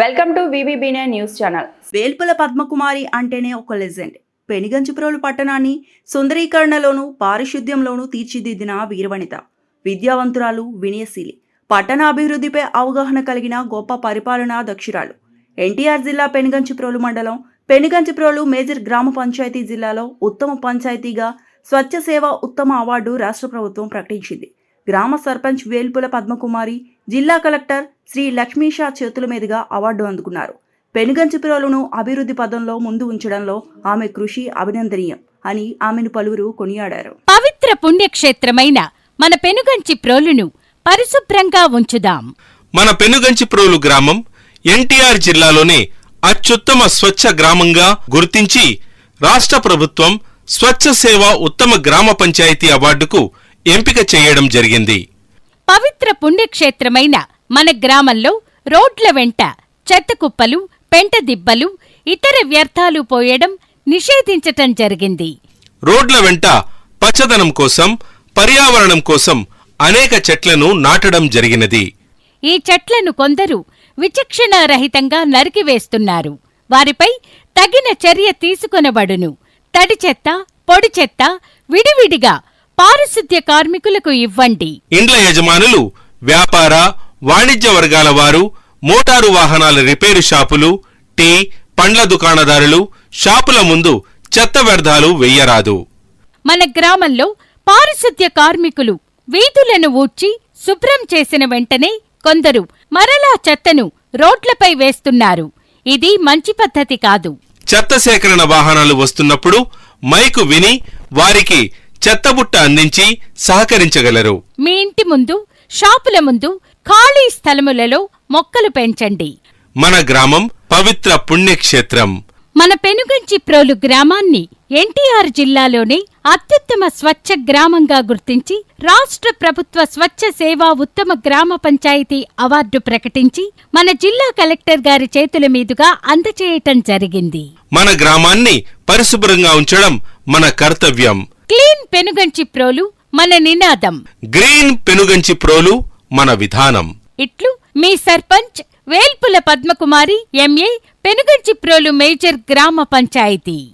Welcome to వివిబినే news channel. Velpula Padmakumari అంటేనే ఒక లెజెండ్. పెనుగంచిప్రోలు పట్టణాన్ని సుందరీకరణలోనూ పారిశుద్ధ్యంలోనూ తీర్చిదిద్దిన వీరవనిత. విద్యావంతురాలు, వినయశీలి, పట్టణ అభివృద్ధిపై అవగాహన కలిగిన గొప్ప పరిపాలనా దక్షురాలు. ఎన్టీఆర్ జిల్లా పెనుగంచిప్రోలు మండలం పెనుగంచిప్రోలు మేజర్ గ్రామ పంచాయతీ జిల్లాలో ఉత్తమ పంచాయతీగా స్వచ్ఛ సేవ ఉత్తమ అవార్డు రాష్ట్ర ప్రభుత్వం ప్రకటించింది. గ్రామ సర్పంచ్ వేల్పుల పద్మకుమారి జిల్లా కలెక్టర్ శ్రీ లక్ష్మీషా చేతుల మీదుగా అవార్డు అందుకున్నారు. పెనుగంచిప్రోలును అభివృద్ధి పదంలో ముందు ఉంచడంలో ఆమె కృషి అభినందనీయం అని ఆమెను పలువురు కొనియాడారు. పవిత్ర పుణ్యక్షేత్రమైన మన పెనుగంచిప్రోలును పరిశుభ్రంగా ఉంచుదాం. మన పెనుగంచిప్రోలు గ్రామం ఎన్టీఆర్ జిల్లాలోనే అత్యుత్తమ స్వచ్ఛ గ్రామంగా గుర్తించి రాష్ట్ర ప్రభుత్వం స్వచ్ఛ సేవ ఉత్తమ గ్రామ పంచాయతీ అవార్డుకు ఎంపిక చేయడం జరిగింది. పవిత్ర పుణ్యక్షేత్రమైన మన గ్రామంలో రోడ్ల వెంట చెత్త కుప్పలు, పెంట దిబ్బలు, ఇతర వ్యర్థాలు పోయడం నిషేధించటం జరిగింది. రోడ్ల వెంట పచ్చదనం కోసం, పర్యావరణం కోసం అనేక చెట్లను నాటడం జరిగినది. ఈ చెట్లను కొందరు విచక్షణారహితంగా నరికివేస్తున్నారు. వారిపై తగిన చర్య తీసుకొనబడును. తడి చెత్త, పొడి చెత్త విడివిడిగా పారిశుద్ధ్య కార్మికులకు ఇవ్వండి. ఇండ్ల యజమానులు, వ్యాపార, వాణిజ్య వర్గాల వారు, మోటారు వాహనాల రిపేరు షాపులు, టీ, పండ్ల దుకాణదారులు షాపుల ముందు చెత్త వ్యర్థాలు వెయ్యరాదు. మన గ్రామంలో పారిశుద్ధ్య కార్మికులు వీధులను ఊడ్చి శుభ్రం చేసిన వెంటనే కొందరు మరలా చెత్తను రోడ్లపై వేస్తున్నారు. ఇది మంచి పద్ధతి కాదు. చెత్త సేకరణ వాహనాలు వస్తున్నప్పుడు మైకు విని వారికి చెత్తబుట్ట అందించి సహకరించగలరు. మీ ఇంటి ముందు, షాపుల ముందు ఖాళీ స్థలములలో మొక్కలు పెంచండి. మన గ్రామం పవిత్ర పుణ్యక్షేత్రం. మన పెనుగంచిప్రోలు గ్రామాన్ని ఎన్టీఆర్ జిల్లాలోనే అత్యుత్తమ స్వచ్ఛ గ్రామంగా గుర్తించి రాష్ట్ర ప్రభుత్వ స్వచ్ఛ సేవా ఉత్తమ గ్రామ పంచాయతీ అవార్డు ప్రకటించి మన జిల్లా కలెక్టర్ గారి చేతుల మీదుగా అందచేయటం జరిగింది. మన గ్రామాన్ని పరిశుభ్రంగా ఉంచడం మన కర్తవ్యం. క్లీన్ పెనుగంచిప్రోలు మన నినాదం. గ్రీన్ పెనుగంచిప్రోలు మన విధానం. ఇట్లు మీ సర్పంచ్ వేల్పుల పద్మకుమారి, ఎంఏ, పెనుగంచిప్రోలు మేజర్ గ్రామ పంచాయతీ.